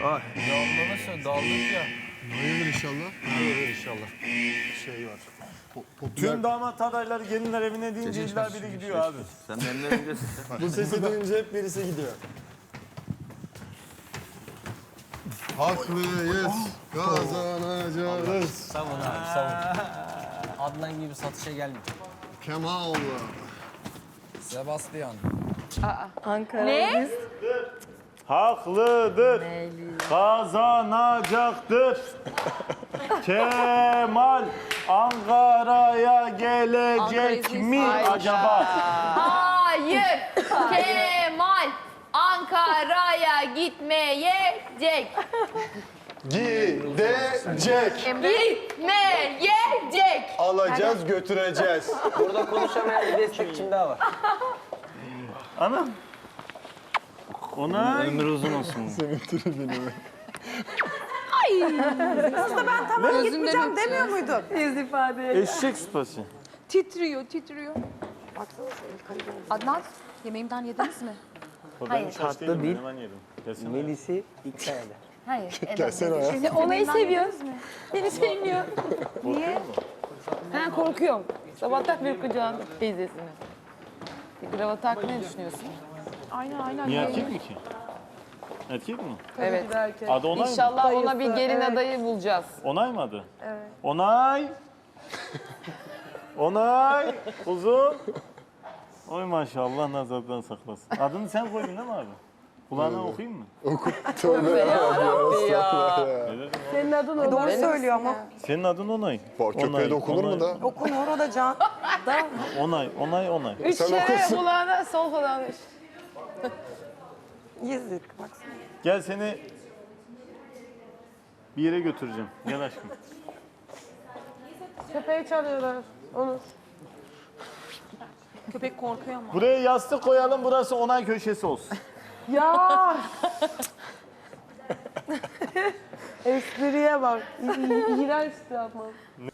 Damlanırsa daldık ya. Hayırdır inşallah. Hayırdır inşallah. Şey var. Tüm damat adayları gelinler evine deyince illa biri gidiyor abi. Sen benden öncesin. Bu sesi duyunca hep birisi gidiyor. Haklıyız. Kazanacağız. Savun abi savun. Adnan gibi satışa gelmiyor. Kemal. Sebastian. Ankara. Ne? Haklıdır. Kazanacaktır. Kemal Ankara'ya gelecek mi acaba? Hayır. Kemal Ankara'ya gitmeyecek. Gidecek. Gitmeyecek. Alacağız götüreceğiz. Burada konuşamayan bir destekçim daha var. Anam. Ona Ömür uzun olsun. Tamam gitmeyeceğim demiyor muydun? Yüz ifade. eşek sıpası. Titriyor, titriyor. Adnan, yemeğimden yediniz mi? Hayır. Tatlı değil. Hemen yedim. Gelsene. Melis'i ikna eder. Hayır. Gelsene ya. Onayı seviyor. Beni sevmiyor. Niye? Ben korkuyorum. Sabahtan beri kucağında teyzesini. Kravat hakkında ne düşünüyorsun? Aynen. Niye erkek mi ki? Erkek mi? Evet. Adı Onay mı? İnşallah ona bir gelin adayı bulacağız. Onay mı adı? Evet. Onay. Onay. Uzun. Oy maşallah nazardan saklasın. Adını sen koydun değil mi abi? Kulağına okuyayım mı? Tövbe ya. Senin adın o. Doğru söylüyor ama. Senin adın Onay. Bak köpeğe de okunur mu da? Okunur o da can. Onay. Üç Sen kere okursun. kulağına sol kulağına üç. Yazık baksana. Gel seni bir yere götüreceğim. Gel aşkım. Köpeği çalıyorlar. Onu. Köpek korkuyor ama. Buraya yastık koyalım. Burası Onay köşesi olsun. Ya! Espriye bak. İğrençti ama.